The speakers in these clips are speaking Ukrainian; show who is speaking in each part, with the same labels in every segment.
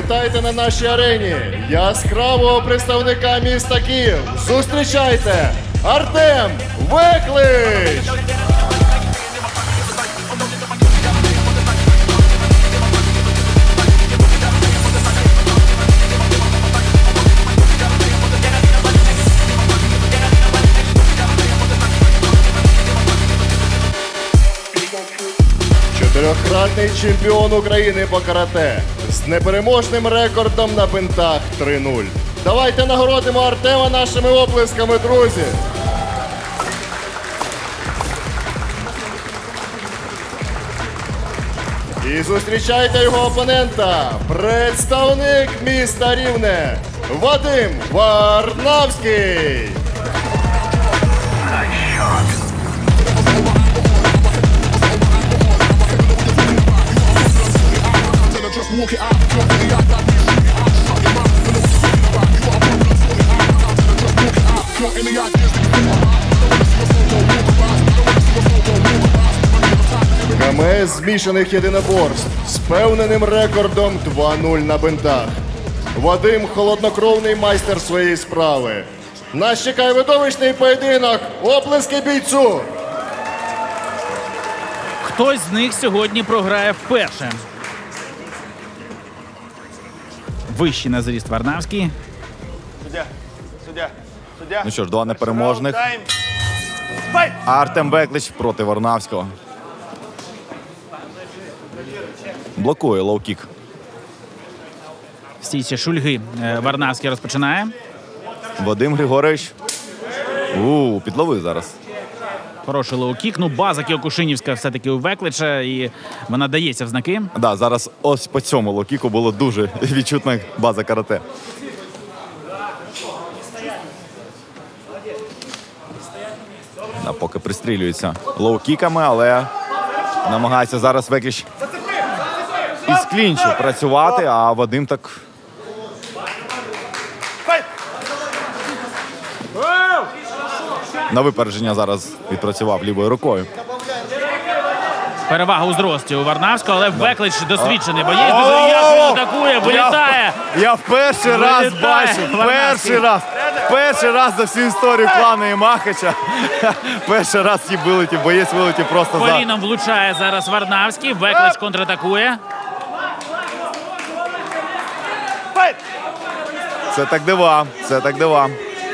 Speaker 1: Вітайте на нашій арені яскравого представника міста Київ. Зустрічайте, Артем Веклич! Чотирьохкратний чемпіон України по карате з непереможним рекордом на бинтах 3-0. Давайте нагородимо Артема нашими оплесками, друзі! І зустрічайте його опонента, представник міста Рівне, Вадим Варнавський! КМС змішаних єдиноборств з впевненим рекордом 2-0 на бинтах. Вадим – холоднокровний майстер своєї справи. Нас чекає видовищний поєдинок. Оплески бійцю!
Speaker 2: Хтось з них сьогодні програє вперше. Вищий на зріст Варнавський.
Speaker 3: Суддя. Ну що ж, два непереможних. Артем Веклич проти Варнавського. Блокує лоу-кік.
Speaker 2: В стійці шульги Варнавський розпочинає.
Speaker 3: Вадим Григорович. Підловив зараз.
Speaker 2: Хороший лоу-кік. Ну, база кіокушинівська все-таки у Веклича, і вона дається в знаки.
Speaker 3: Да, зараз ось по цьому лоу-кіку було дуже відчутна база карате. Да, поки пристрілюється лоу-кіками, але намагається зараз Веклич із клінчу працювати, а Вадим так... На випередження зараз відпрацював лівою рукою.
Speaker 2: Перевага у зрості у Варнавського, але Веклич досвідчений боєць. Дуже ясно атакує, вилітає.
Speaker 3: Я в перший раз бачу, перший раз за всю історію клану Імахача. Перший раз боєць вилетів просто за...
Speaker 2: Коліном влучає зараз Варнавський, Веклич контратакує.
Speaker 3: Це так дива.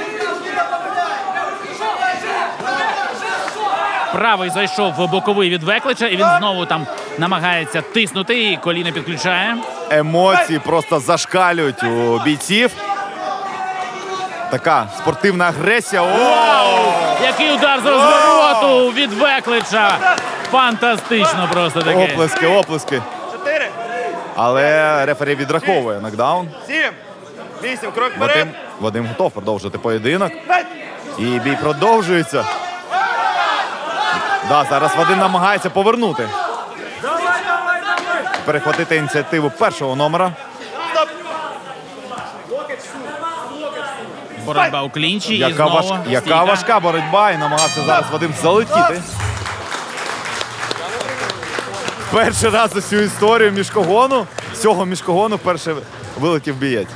Speaker 2: Правий зайшов в боковий від Веклича, і він знову там намагається тиснути, і коліно підключає.
Speaker 3: Емоції просто зашкалюють у бійців. Така спортивна агресія.
Speaker 2: Вау! Який удар з розвороту від Веклича! Фантастично просто таке.
Speaker 3: Оплески.
Speaker 4: 4.
Speaker 3: Але рефері відраховує нокдаун.
Speaker 4: 7. 8. Крок вперед.
Speaker 3: Вадим готов продовжити поєдинок. І бій продовжується. Да, зараз Вадим намагається повернути. Перехватити ініціативу першого номера.
Speaker 2: Боротьба у клінчі.
Speaker 3: Яка важка боротьба, і намагався зараз Вадим залетіти. Перший раз за всю історію міжкогону, цього міжкогону вперше вилетів бієць.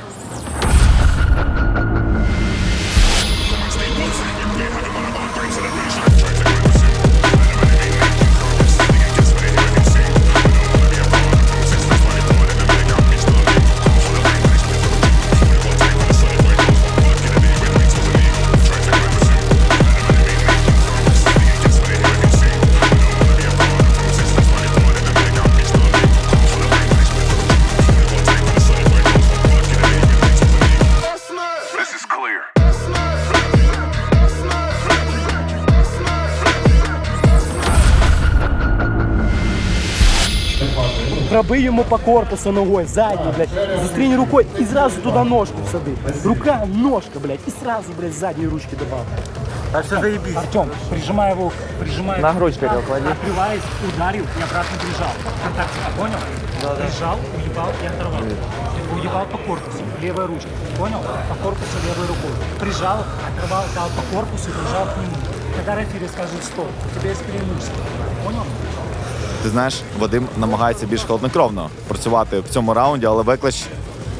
Speaker 5: Пробий йому по корпусу ногой, задней, блядь. Застрянь рукой и сразу туда ножку всады. Рука, ножка, блядь, и сразу, блядь, задней ручки добавь.
Speaker 6: А все заебись.
Speaker 5: Артем, прижимай его, прижимай.
Speaker 6: На грудь его клади.
Speaker 5: Открываясь, ударил и обратно прижал. Контакт, понял? Да. Прижал, уебал и оторвал. Уебал по корпусу, левой ручкой. Понял? По корпусу левой рукой. Прижал, оторвал, дал по корпусу и прижал к нему. Когда рефери скажет стоп, у тебя есть преимущество. Понял?
Speaker 3: Ти знаєш, Вадим намагається більш холоднокровно працювати в цьому раунді, але Веклич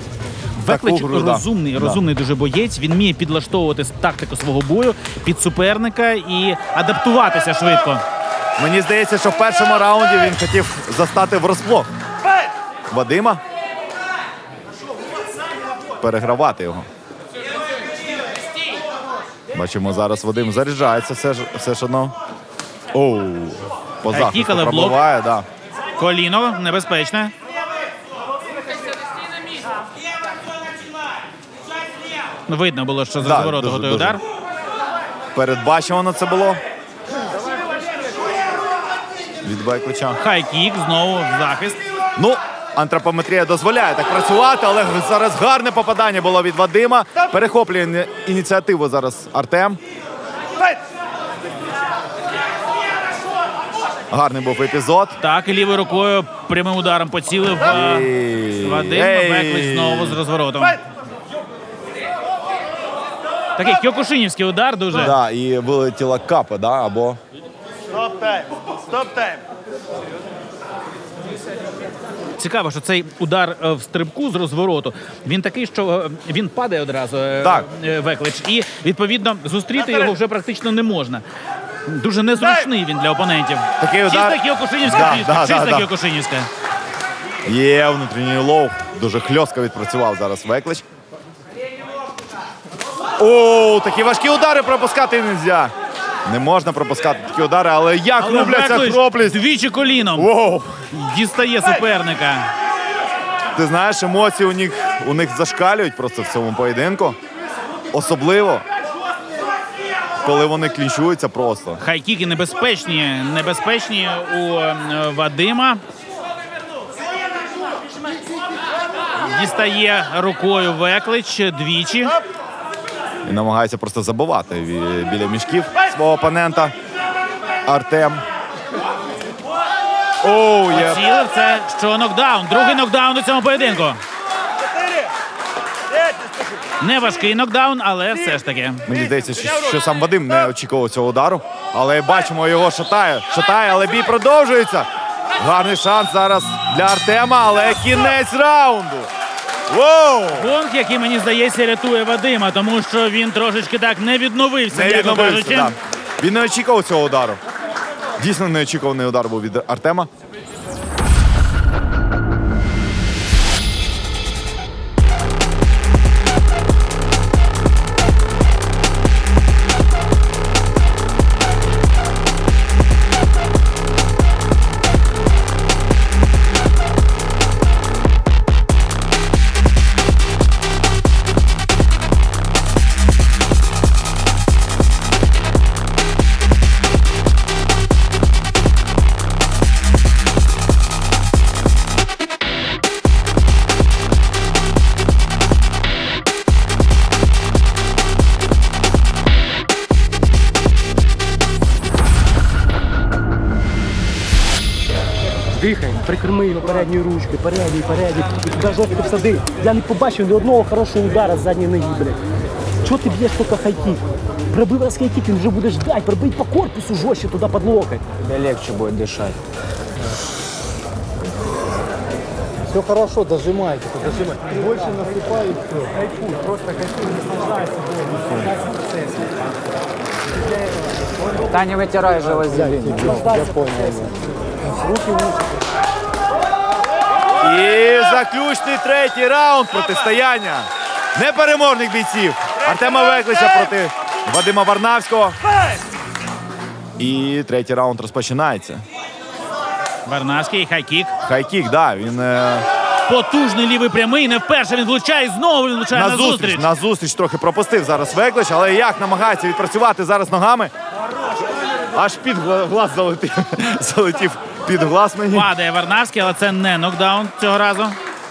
Speaker 2: Веклич
Speaker 3: гру, да.
Speaker 2: розумний дуже боєць. Він вміє підлаштовувати тактику свого бою під суперника і адаптуватися швидко.
Speaker 3: Мені здається, що в першому раунді він хотів застати врасплох Вадима. Перегравати його. Бачимо, зараз Вадим заряджається все ж одно. Оу, по захисту
Speaker 2: Кікали в блок.
Speaker 3: пробиває, да.
Speaker 2: Коліно небезпечне. Видно було, що з
Speaker 3: Да,
Speaker 2: розвороту
Speaker 3: дуже,
Speaker 2: готує
Speaker 3: дуже.
Speaker 2: удар.
Speaker 3: Передбачувано це було. Від Веклича.
Speaker 2: Хай-кік, знову в захист.
Speaker 3: Ну, антропометрія дозволяє так працювати, але зараз гарне попадання було від Вадима. Перехоплює ініціативу зараз Артем. Гарний був епізод.
Speaker 2: Так, і лівою рукою прямим ударом поцілив Вадим. Веклич знову з розворотом. Такий кьокушинівський удар дуже.
Speaker 3: Да, і вилетіла капа, да, або...
Speaker 4: Стоп тайм. Стоп тайм.
Speaker 2: Цікаво, що цей удар в стрибку з розвороту, він такий, що він падає одразу,
Speaker 3: Так.
Speaker 2: Веклич, і, відповідно, зустріти його вже практично не можна. Дуже незручний він для опонентів.
Speaker 3: Такий удар.
Speaker 2: Чиста кьокушинівська
Speaker 3: Да,
Speaker 2: фішка,
Speaker 3: да,
Speaker 2: чиста
Speaker 3: да, да.
Speaker 2: кьокушинівська.
Speaker 3: Є внутрішній лоу. Дуже хльостко відпрацював зараз Веклич. О, такі важкі удари пропускати не можна. Не можна пропускати такі удари, але як
Speaker 2: Але
Speaker 3: рубляться
Speaker 2: Веклич
Speaker 3: хроплість.
Speaker 2: двічі коліном
Speaker 3: Воу.
Speaker 2: дістає суперника.
Speaker 3: Ти знаєш, емоції у них зашкалюють просто в цьому поєдинку. Особливо, коли вони клінчуються просто.
Speaker 2: Хай-кіки небезпечні у Вадима. Дістає рукою Веклич двічі.
Speaker 3: І намагається просто забивати біля мішків свого опонента. Артем. Оу, є.
Speaker 2: Цілив, це що нокдаун. Другий нокдаун у цьому поєдинку. Не важкий нокдаун, але все ж таки.
Speaker 3: Мені здається, що сам Вадим не очікував цього удару. Але бачимо, його шатає, але бій продовжується. Гарний шанс зараз для Артема, але кінець раунду. Воу!
Speaker 2: Гонг, який, мені здається, рятує Вадима, тому що він трошечки так не відновився,
Speaker 3: Не
Speaker 2: м'яко
Speaker 3: відновився,
Speaker 2: кажучи.
Speaker 3: да. Він не очікував цього удару. Дійсно неочікуваний удар був від Артема.
Speaker 5: Дихай, прикрми його передньою ручкою, передній. І туди жорстко всади. Я не побачив ні одного хорошого удара з задньої ноги, блядь. Чого ти б'єш тільки хай-кік? Пробив раз хай-кік, він вже буде ждать, пробий по корпусу жорстче туди під локоть.
Speaker 6: Тебе легче будет дышать.
Speaker 7: Все хорошо, дожимайте, дожимайте. Больше наступай и все.
Speaker 5: Кайфуй, просто кайфуй, наслаждайся болью, наслаждайся процесом.
Speaker 6: Да не вытирай же вазелин.
Speaker 7: Я понял. Руки вниз.
Speaker 3: І заключний третій раунд протистояння непереможних бійців Артема Веклича проти Вадима Варнавського. І третій раунд розпочинається.
Speaker 2: Варнавський, хай-кік.
Speaker 3: Хай-кік, да, він
Speaker 2: Потужний лівий прямий, не вперше він влучає, і знову він влучає на зустріч.
Speaker 3: на зустріч трохи пропустив зараз Веклич, але як намагається відпрацювати зараз ногами. Аж під глаз залетів під глаз мені.
Speaker 2: Падає Варнавський, але це не нокдаун цього разу.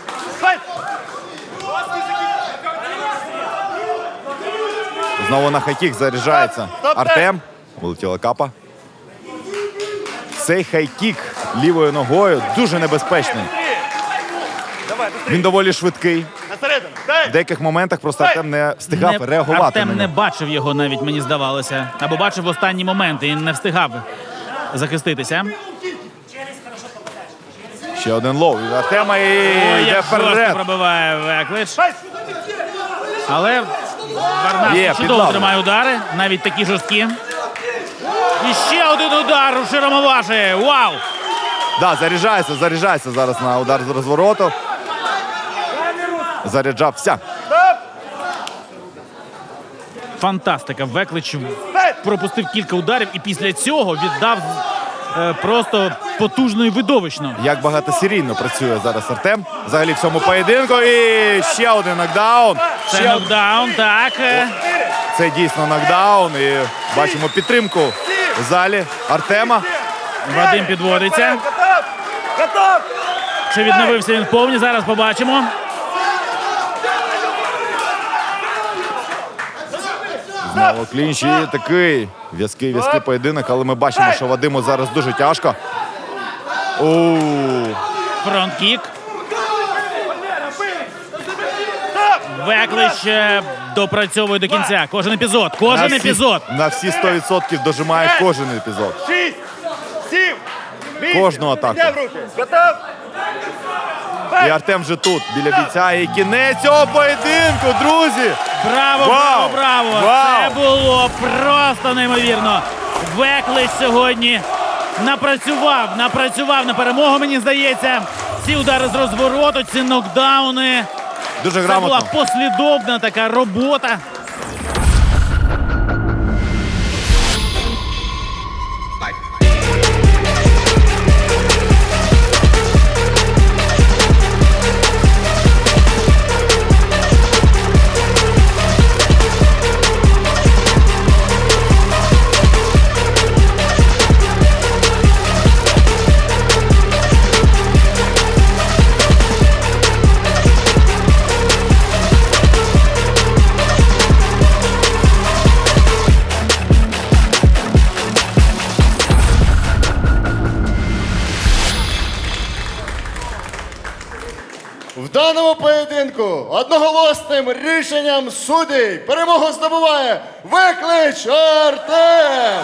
Speaker 3: Знову на хай-кік заряджається Артем. Вилетіла капа. Цей хай-кік лівою ногою дуже небезпечний. Він доволі швидкий.
Speaker 4: Насередину.
Speaker 3: В
Speaker 4: Дай.
Speaker 3: деяких моментах просто Артем не встигав реагувати
Speaker 2: Артем
Speaker 3: на
Speaker 2: не
Speaker 3: нього.
Speaker 2: бачив його навіть, мені здавалося. Або бачив в останні моменти і не встигав захиститися.
Speaker 3: Ще один лоу від Артема і
Speaker 2: Ой,
Speaker 3: йде
Speaker 2: як жорстко
Speaker 3: вперед.
Speaker 2: пробиває Веклич. Але Варнавський
Speaker 3: Є,
Speaker 2: чудово
Speaker 3: підлавлює.
Speaker 2: тримає удари, навіть такі жорсткі. І ще один удар у широмоважі. Вау!
Speaker 3: Да, заряджається зараз на удар з розвороту. Заряджався.
Speaker 2: Фантастика. Веклич пропустив кілька ударів і після цього віддав просто потужно і видовищно.
Speaker 3: Як багатосерійно працює зараз Артем. Взагалі в цьому поєдинку. І ще один нокдаун.
Speaker 2: Це нокдаун, так.
Speaker 3: Це дійсно нокдаун. І бачимо підтримку в залі Артема.
Speaker 2: Вадим підводиться.
Speaker 4: Готов! Готов!
Speaker 2: Чи відновився він повні? Зараз побачимо.
Speaker 3: Знову клінч і такий в'язкий поєдинок, але ми бачимо, що Вадиму зараз дуже тяжко.
Speaker 2: Фронт-кік. Веклич допрацьовує до кінця. Кожен епізод. Кожен епізод.
Speaker 3: На всі 100% дожимає кожен епізод.
Speaker 4: 6, 7, 8.
Speaker 3: Кожну атаку.
Speaker 4: Взяв руки. Готов?
Speaker 3: І Артем вже тут, біля бійця. І кінець цього поєдинку, друзі!
Speaker 2: Браво,
Speaker 3: Вау!
Speaker 2: браво, браво!
Speaker 3: Вау!
Speaker 2: Це було просто неймовірно. Веклич сьогодні напрацював на перемогу, мені здається. Ці удари з розвороту, ці нокдауни.
Speaker 3: Дуже
Speaker 2: Це була
Speaker 3: грамотно.
Speaker 2: послідовна така робота.
Speaker 1: В даному поєдинку одноголосним рішенням суддів перемогу здобуває Веклич Артем.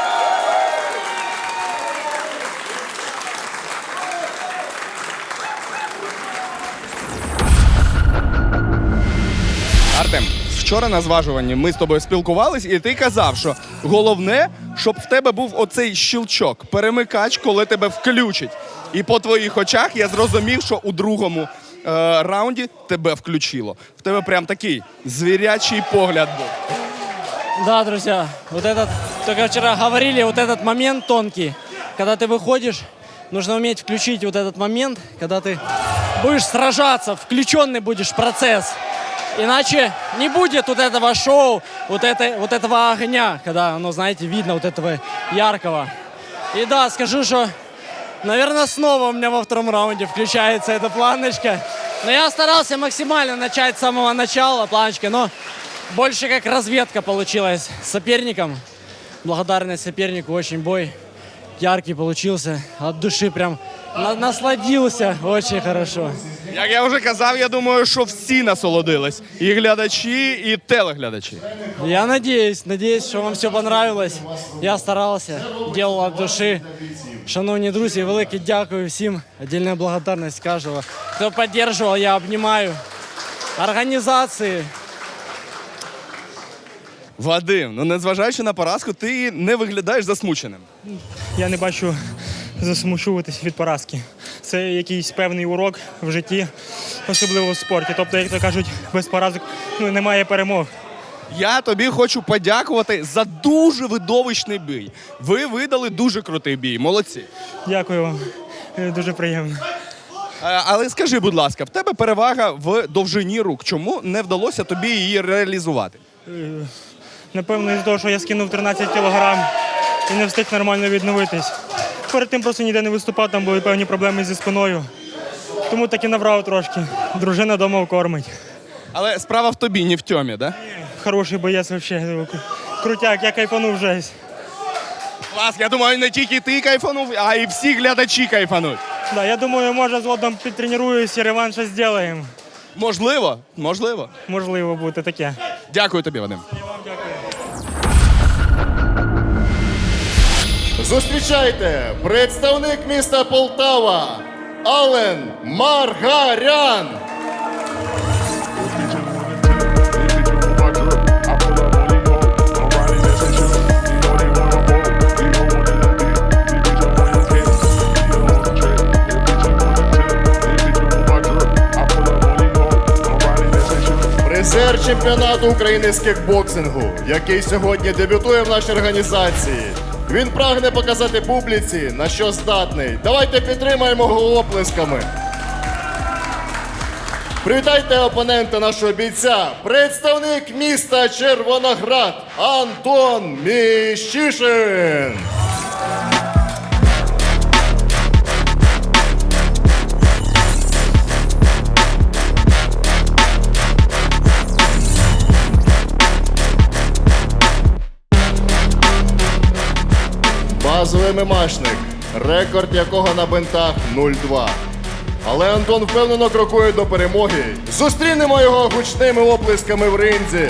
Speaker 8: Артем, вчора на зважуванні ми з тобою спілкувались, і ти казав, що головне, щоб в тебе був оцей щелчок, перемикач, коли тебе включить. І по твоїх очах я зрозумів, що у другому раунді тебе включило. В тебе прям такий звірячий погляд був.
Speaker 6: Да, друзья, вот этот, только вчера говорили, вот этот момент тонкий, когда ты выходишь, нужно уметь включить вот этот момент, когда ты будешь сражаться, включенный будешь в процесс. Иначе не будет вот этого шоу, вот этого огня, когда, ну, знаете, видно вот этого яркого. И да, скажу, что, наверное, снова у меня во втором раунде включается эта планочка. Но я старался максимально начать с самого начала планочки, но больше как разведка получилась с соперником. Благодарность сопернику, очень бой яркий получился. От души прям насладился очень хорошо.
Speaker 8: Як я вже казав, я думаю, що всі насолодились. І глядачі, і телеглядачі.
Speaker 6: Я надеюсь, что вам все понравилось. Я старался, делал от души. Шановні друзі, велике дякую всім. Отдельная благодарность кожного, хто підтримував, я обнімаю. Організації.
Speaker 8: Вадим, ну незважаючи на поразку, ти не виглядаєш засмученим.
Speaker 5: Я не бачу засмучуватись від поразки. Це якийсь певний урок в житті, особливо в спорті. Тобто, як то кажуть, без поразок немає перемог.
Speaker 8: Я тобі хочу подякувати за дуже видовищний бій. Ви видали дуже крутий бій, молодці.
Speaker 5: Дякую вам. Дуже приємно.
Speaker 8: Але скажи, будь ласка, в тебе перевага в довжині рук. Чому не вдалося тобі її реалізувати?
Speaker 5: Напевно, із-за того, що я скинув 13 кілограм і не встиг нормально відновитись. Перед тим просто ніде не виступав, там були певні проблеми зі спиною. Тому так і набрав трошки. Дружина вдома кормить.
Speaker 8: Але справа в тобі, не в Тьомі, да?
Speaker 5: Хороший боєць взагалі. Крутяк, я кайфанув вже.
Speaker 8: Клас, я думаю, не тільки ти кайфанув, а і всі глядачі кайфануть.
Speaker 5: Да, я думаю, може згодом підтренуюсь і реванш зробимо.
Speaker 8: Можливо, можливо.
Speaker 5: Можливо, буде таке.
Speaker 8: Дякую тобі, Вадим.
Speaker 1: Зустрічайте, представник міста Полтава Ален Маргарян. чемпіонату України з кікбоксингу, який сьогодні дебютує в нашій організації. Він прагне показати публіці, на що здатний. Давайте підтримаємо його оплесками. Привітайте опонента нашого бійця, представник міста Червоноград Антон Міщишин. Базовий мемашник, рекорд якого на бинтах 0-2. Але Антон впевнено крокує до перемоги. Зустрінемо його гучними оплесками в ринзі.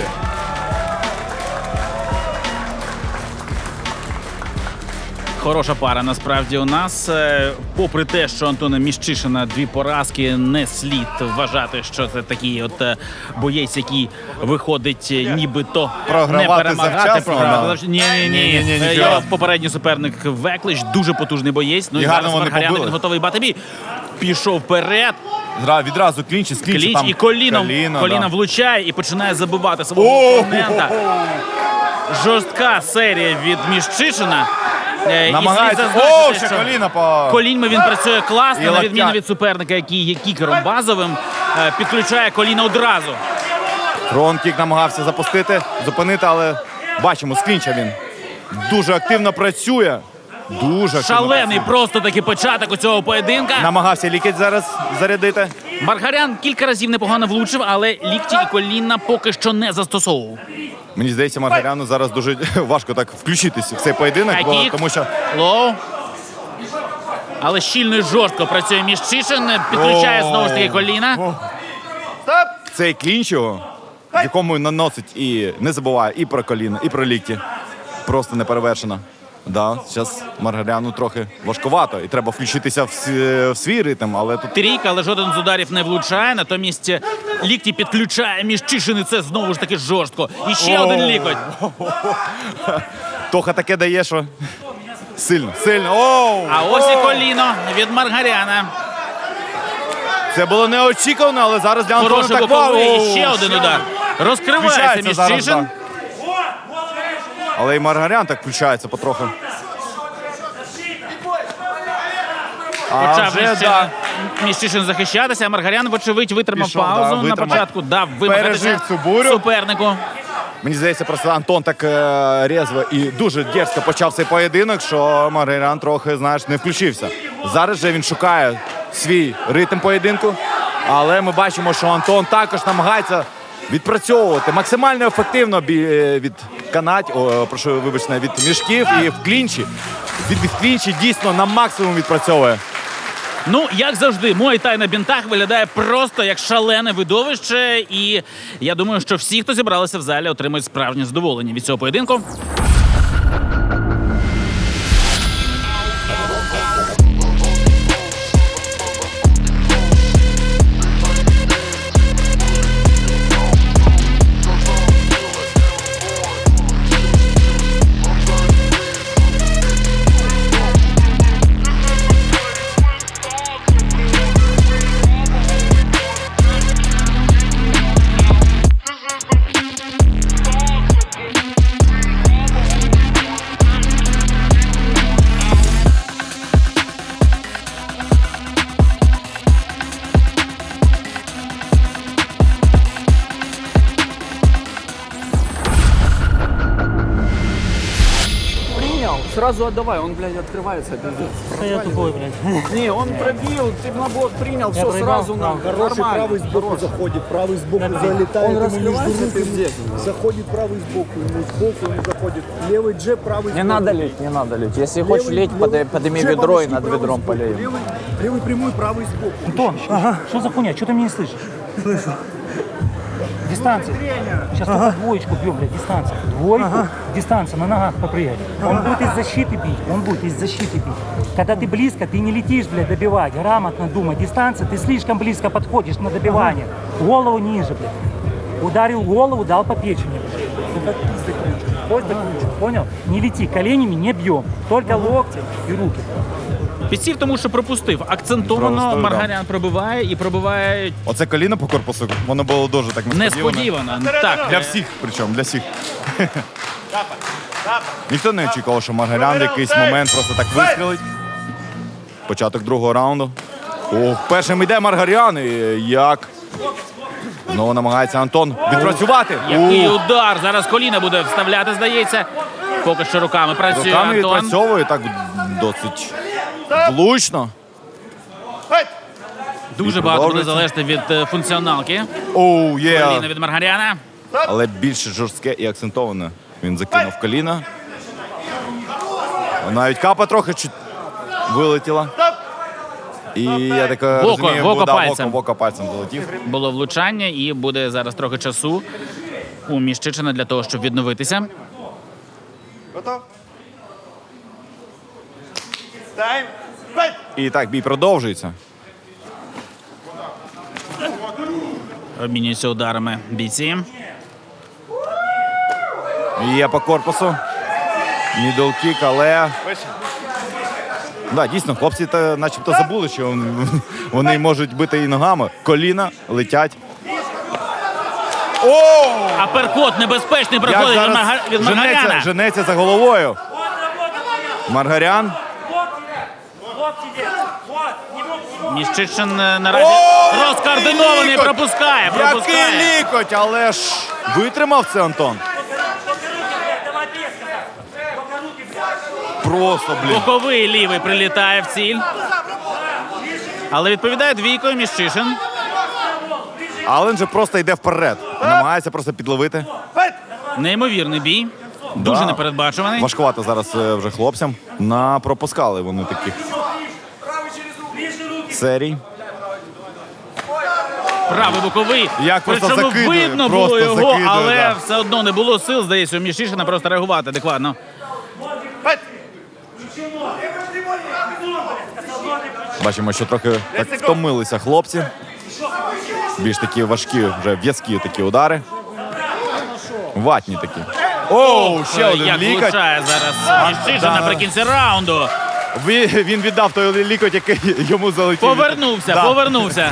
Speaker 2: Хороша пара насправді у нас. Попри те, що Антона Міщишина 2 поразки, не слід вважати, що це такий от боєць, який виходить нібито
Speaker 3: Програвати
Speaker 2: не перемагати.
Speaker 3: завчасно,
Speaker 2: Програвати. Ні.
Speaker 3: Ні.
Speaker 2: Його попередній суперник Веклич, дуже потужний боєць. Ну і
Speaker 3: І гарно
Speaker 2: зараз
Speaker 3: вони
Speaker 2: Маргарян,
Speaker 3: побили.
Speaker 2: він готовий бати бій. Пішов вперед,
Speaker 3: Відразу клінч
Speaker 2: кліч
Speaker 3: там
Speaker 2: і коліном
Speaker 3: да.
Speaker 2: влучає і починає забивати свого опонента. Жорстка серія від Міщишина. І
Speaker 3: Намагається.
Speaker 2: слід зазначити,
Speaker 3: Ще
Speaker 2: що
Speaker 3: коліна по...
Speaker 2: коліньми він працює
Speaker 3: І
Speaker 2: класно, на
Speaker 3: локтя.
Speaker 2: відміну від суперника, який є кікером базовим, підключає коліна одразу.
Speaker 3: Фронт-кік намагався запустити, зупинити, але бачимо, з клінча він дуже активно працює. Дуже активно
Speaker 2: Шалений
Speaker 3: працює.
Speaker 2: просто таки початок у цього поєдинка.
Speaker 3: Намагався лікоть зараз зарядити.
Speaker 2: Маргарян кілька разів непогано влучив, але лікті і коліна поки що не застосовував.
Speaker 3: Мені здається, Маргаряну зараз дуже важко так включитися в цей поєдинок,
Speaker 2: Хайкік.
Speaker 3: тому що
Speaker 2: Лоу. Але щільно і жорстко працює Міщишин, підключає знову ж таки коліна.
Speaker 3: цей клінч його, в якому він наносить і не забуває і про коліна, і про лікті. Просто неперевершено. Да, зараз Маргаряну трохи важкувато, і треба включитися в свій ритм, але тут
Speaker 2: Трійка, але жоден з ударів не влучає. Натомість лікті підключає Міщишин, і це знову ж таки жорстко. І ще один лікоть.
Speaker 3: Тоха таке дає, що сильно, сильно. Оу!
Speaker 2: А ось і коліно від Маргаряна.
Speaker 3: Це було неочікувано, але зараз для Антона
Speaker 2: Хороший
Speaker 3: так
Speaker 2: боковий,
Speaker 3: вау!
Speaker 2: і ще один удар. Розкривається
Speaker 3: Включається зараз,
Speaker 2: Міщишин.
Speaker 3: да. Але і Маргарян так включається потроху.
Speaker 2: Почав
Speaker 3: вже, да.
Speaker 2: Міщишин захищатися, а Маргарян, вочевидь, витримав
Speaker 3: Пішов,
Speaker 2: паузу
Speaker 3: да,
Speaker 2: на
Speaker 3: витримав.
Speaker 2: початку, дав вимагатися
Speaker 3: Пережив цю бурю.
Speaker 2: супернику.
Speaker 3: Мені здається, просто Антон так різво і дуже дерзко почав цей поєдинок, що Маргарян трохи, знаєш, не включився. Зараз же він шукає свій ритм поєдинку, але ми бачимо, що Антон також намагається відпрацьовувати максимально ефективно від прошу вибачте, від мішків і в клінчі. Від клінчі дійсно на максимум відпрацьовує.
Speaker 2: Ну, як завжди, Муай-тай на бінтах виглядає просто як шалене видовище. І я думаю, що всі, хто зібралися в залі, отримують справжнє задоволення від цього поєдинку.
Speaker 9: Принял, сразу отдавай, он, блядь, открывается. пиздец.
Speaker 5: Да я тупой, блядь.
Speaker 9: Не, он пробил, ты на блок принял, все
Speaker 5: проебал,
Speaker 9: сразу
Speaker 5: да.
Speaker 9: нам.
Speaker 7: Хороший
Speaker 9: Нормально.
Speaker 7: правый сбоку заходит, правый сбоку залетает,
Speaker 9: Он
Speaker 7: ему между
Speaker 9: раскрывается,
Speaker 7: рук,
Speaker 9: пиздец.
Speaker 7: заходит правый сбоку, ему сбоку ему заходит. Левый джеб, правый
Speaker 9: Не
Speaker 7: сбоку.
Speaker 9: надо лить, не надо лить. Если
Speaker 7: Левый-
Speaker 9: хочешь лить,
Speaker 7: левый
Speaker 9: подними
Speaker 7: джеб
Speaker 9: ведро и
Speaker 7: обычный,
Speaker 9: над
Speaker 7: правый
Speaker 9: ведром
Speaker 7: сбоку.
Speaker 9: полей.
Speaker 7: Левый прямой, правый сбоку.
Speaker 5: Антон, что за хуйня? Что ты меня не слышишь? Слышу. Дистанция. Сейчас только двоечку бьем, блядь, дистанция. Двойку, дистанция, на ногах поприять. Он будет из защиты бить, он будет из защиты бить. Когда ты близко, ты не летишь, блядь, добивать. Грамотно думай. Дистанция, ты слишком близко подходишь на добивание. Голову ниже, блядь. Ударил голову, дал по печени. Понял? Не лети, коленями не бьем. Только локти и руки.
Speaker 2: Підсів, тому що пропустив. Акцентовано
Speaker 3: Пропустив, да.
Speaker 2: Маргарян пробиває і пробиває
Speaker 3: Оце коліно по корпусу, воно було дуже так
Speaker 2: несподівано. Так,
Speaker 3: Для всіх, причому, для всіх. Ніхто не очікував, що Маргарян в якийсь момент просто так вистрілить. Початок другого раунду. Ох, першим йде Маргарян. І як? Знову намагається Антон відпрацювати.
Speaker 2: Який удар! Зараз коліна буде вставляти, здається. Поки що руками працює
Speaker 3: Руками
Speaker 2: Антон.
Speaker 3: відпрацьовує так досить влучно.
Speaker 2: Дуже
Speaker 3: І
Speaker 2: багато буде
Speaker 3: продовжується.
Speaker 2: залежати від функціоналки.
Speaker 3: Оу, є.
Speaker 2: Коліна від Маргаряна.
Speaker 3: Але більш жорстке і акцентоване. Він закинув коліна. Навіть капа трохи чуть вилетіла. І я так розумію,
Speaker 2: в око
Speaker 3: в око пальцем залетів.
Speaker 2: Було влучання і буде зараз трохи часу у Міщичина для того, щоб відновитися.
Speaker 4: Готов? Тайм. Файт!
Speaker 3: І так, бій продовжується.
Speaker 2: Обмінюються ударами бійці.
Speaker 3: Є по корпусу. Мідл-кік, але... Да, дійсно, хлопці начебто забули, що вони можуть бити і ногами. Коліна летять. О!
Speaker 2: Аперкот небезпечний
Speaker 3: Як
Speaker 2: проходить
Speaker 3: зараз
Speaker 2: від Маргаряна.
Speaker 3: женеться за головою. Маргарян.
Speaker 2: Міщичин наразі розкоординований,
Speaker 3: лікоть!
Speaker 2: пропускає.
Speaker 3: Який лікоть, але ж витримав це Антон. Просто, блін.
Speaker 2: Боковий лівий прилітає в ціль. Але відповідає двійкою Міщишин.
Speaker 3: Ален же просто йде вперед. Намагається просто підловити.
Speaker 2: Неймовірний бій. Дуже
Speaker 3: Да.
Speaker 2: непередбачуваний.
Speaker 3: Важкувато зараз вже хлопцям. Пропускали вони таких серій.
Speaker 2: Правий боковий.
Speaker 3: Як просто
Speaker 2: Причому
Speaker 3: закидує,
Speaker 2: видно
Speaker 3: просто
Speaker 2: було його,
Speaker 3: закидує,
Speaker 2: але
Speaker 3: да.
Speaker 2: все одно не було сил, здається, у Міщишина просто реагувати адекватно.
Speaker 3: Бачимо, що трохи так втомилися хлопці. Більш такі важкі, вже в'язкі такі удари. Ватні такі. Оу, ще один
Speaker 2: Як
Speaker 3: лікоть.
Speaker 2: влучає зараз Міщишин
Speaker 3: да.
Speaker 2: наприкінці раунду.
Speaker 3: Він віддав той лікоть, який йому залетів.
Speaker 2: Повернувся,
Speaker 3: Да.
Speaker 2: повернувся.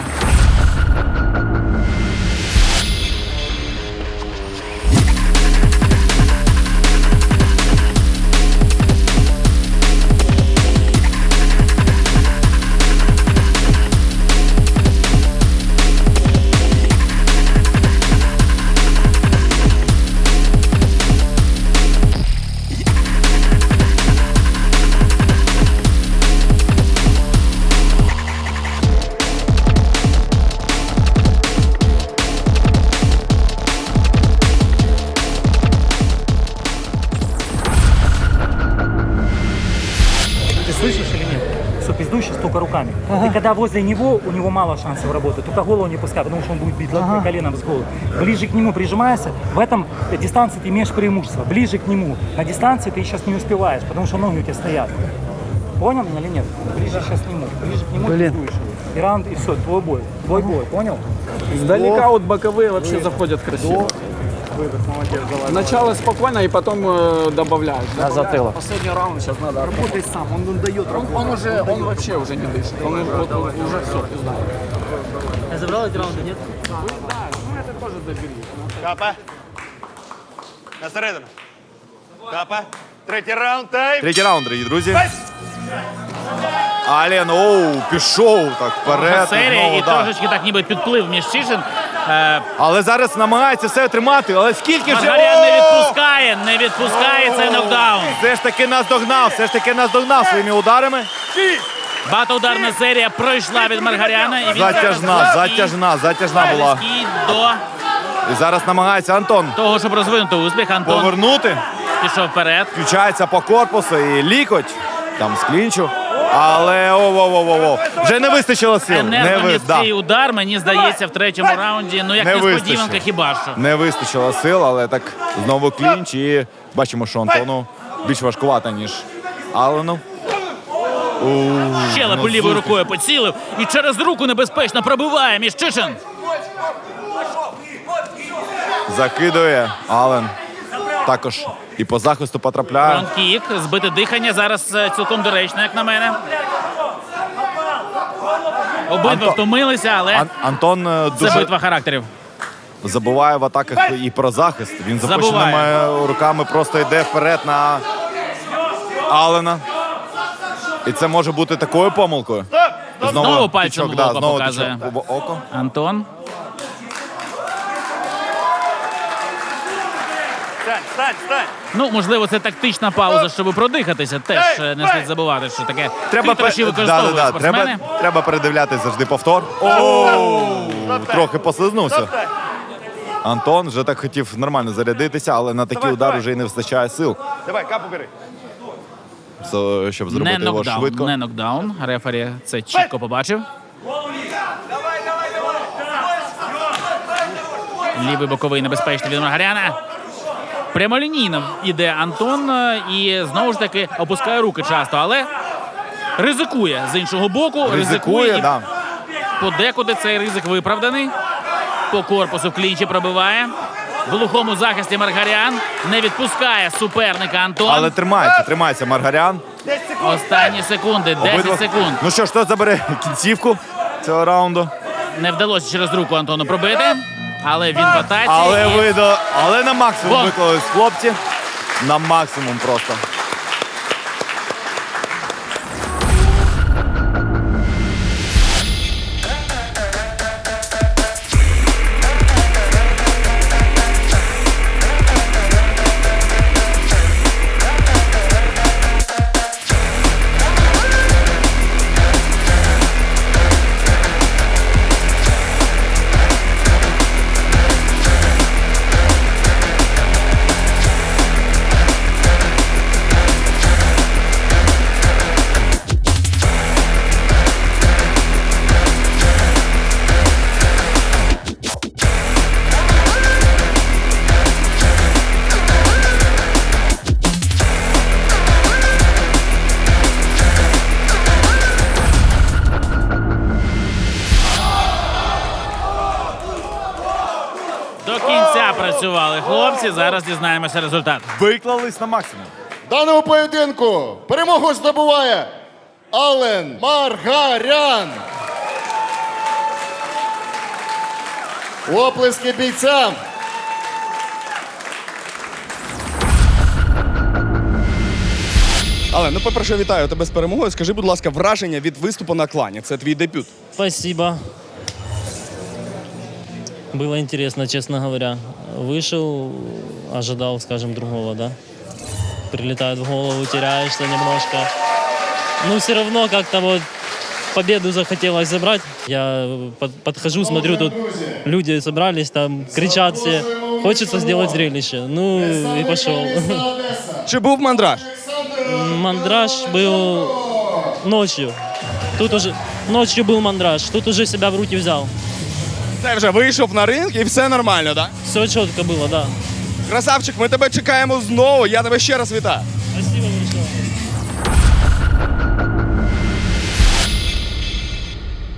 Speaker 5: Ты слышишь или нет? Что пиздующий столько руками. И когда возле него, у него мало шансов работать. Только голову не пускай, потому что он будет бить коленом с головы. Ближе к нему прижимайся. В этом дистанции ты имеешь преимущество. Ближе к нему. На дистанции ты сейчас не успеваешь, потому что ноги у тебя стоят. Понял меня или нет? Ближе сейчас к нему. Ближе к нему пиздуешь его. И раунд, и все, твой бой. Твой бой, понял?
Speaker 9: Издалека вот боковые вообще заходят красиво.
Speaker 5: Выдох, молодец, давай.
Speaker 9: Начало спокойно и потом добавляют.
Speaker 6: На затылок.
Speaker 9: Последний раунд сейчас надо.
Speaker 5: Работай сам, он дает
Speaker 9: Он вообще уже не дышит. Он уже все, пизда.
Speaker 5: Я забрал эти раунды, нет?
Speaker 4: Капа. На середину. Капа. Третій раунд. Тайм.
Speaker 3: Третій раунд, дорогі друзі. Ален, пішов так вперед.
Speaker 2: Серія
Speaker 3: знову,
Speaker 2: і
Speaker 3: да.
Speaker 2: трошечки так ніби підплив Міщишин.
Speaker 3: Але зараз намагається все тримати. Але скільки вже...
Speaker 2: Маргарян не відпускає цей нокдаун.
Speaker 3: Все ж таки наздогнав своїми ударами.
Speaker 2: Багатоударна серія пройшла від Маргаряна. І він
Speaker 3: Затяжна була.
Speaker 2: близький до
Speaker 3: І зараз намагається Антон
Speaker 2: того, щоб розвинути успіх. Антон
Speaker 3: повернути.
Speaker 2: пішов вперед.
Speaker 3: Включається по корпусу і лікоть. Там з клінчу. Але вже не вистачило сил.
Speaker 2: Енергоміцький удар, мені здається, в третьому раунді. Ну, як
Speaker 3: Не
Speaker 2: несподіванка,
Speaker 3: вистачило.
Speaker 2: хіба що.
Speaker 3: Не вистачило сил, але так знову клінч. І бачимо, що Антону більш важкувато, ніж Алену.
Speaker 2: Щелепу лівою рукою поцілив. І через руку небезпечно пробиває Міщишин.
Speaker 3: Закидує Ален. Також і по захисту потрапляє.
Speaker 2: Фронт-кік, збите дихання. Зараз цілком доречно, як на мене. Обидва втомилися, але
Speaker 3: Антон
Speaker 2: це
Speaker 3: дуже
Speaker 2: битва характерів.
Speaker 3: забуває в атаках і про захист. Він запущеними руками просто йде вперед на Аллена. І це може бути такою помилкою.
Speaker 2: Знову пальцем
Speaker 3: тичок,
Speaker 2: в око
Speaker 3: знову
Speaker 2: показує.
Speaker 3: тичок в око.
Speaker 2: Антон.
Speaker 4: Стань.
Speaker 2: Ну, можливо, це тактична пауза, щоб продихатися. Теж не слід забувати, що таке хитрощі використовують спортсмени.
Speaker 3: Треба передивлятися завжди повтор. Трохи послизнувся. Антон вже так хотів нормально зарядитися, але на такі удари вже й не вистачає сил,
Speaker 4: Давай, капу бери.
Speaker 3: щоб
Speaker 2: Не
Speaker 3: зробити його
Speaker 2: нокдаун,
Speaker 3: швидко.
Speaker 2: не нокдаун. Рефері це чітко побачив. Лівий боковий небезпечний від Маргаряна. Прямолінійно йде Антон і знову ж таки опускає руки часто, але ризикує з іншого боку.
Speaker 3: Ризикує,
Speaker 2: і
Speaker 3: да.
Speaker 2: подекуди цей ризик виправданий. По корпусу в клінчі пробиває. В глухому захисті Маргарян не відпускає суперника Антон.
Speaker 3: Але тримається Маргарян.
Speaker 2: Останні секунди, 10 секунд.
Speaker 3: Ну що ж, хто забере кінцівку цього раунду?
Speaker 2: Не вдалося через руку Антону пробити, але він в атаці.
Speaker 3: Але на максимум
Speaker 2: Вон.
Speaker 3: виклались хлопці. На максимум просто.
Speaker 2: До кінця працювали хлопці, зараз дізнаємося результат.
Speaker 3: Виклались на максимум.
Speaker 1: В даному поєдинку перемогу здобуває Аллен Маргарян. Оплески бійцям.
Speaker 8: Але, ну, по-перше, вітаю тебе з перемогою. Скажи, будь ласка, враження від виступу на клані. Це твій дебют.
Speaker 6: Спасибо. Было интересно, честно говоря. Вышел, ожидал, скажем, другого, да? Прилетает в голову, теряешься немножко. Ну, все равно как-то вот победу захотелось забрать. Я подхожу, смотрю, тут люди собрались, там кричат все. Хочется сделать зрелище. Ну, и пошел.
Speaker 8: Чи був мандраж?
Speaker 6: Мандраж был ночью. Тут уже ночью был мандраж. Тут уже себя в руки взял.
Speaker 8: Це вже вийшов на ринг і все нормально, так?
Speaker 6: Все четко было, да.
Speaker 8: Красавчик, ми тебе чекаємо знову. Я тебе ще раз вітаю.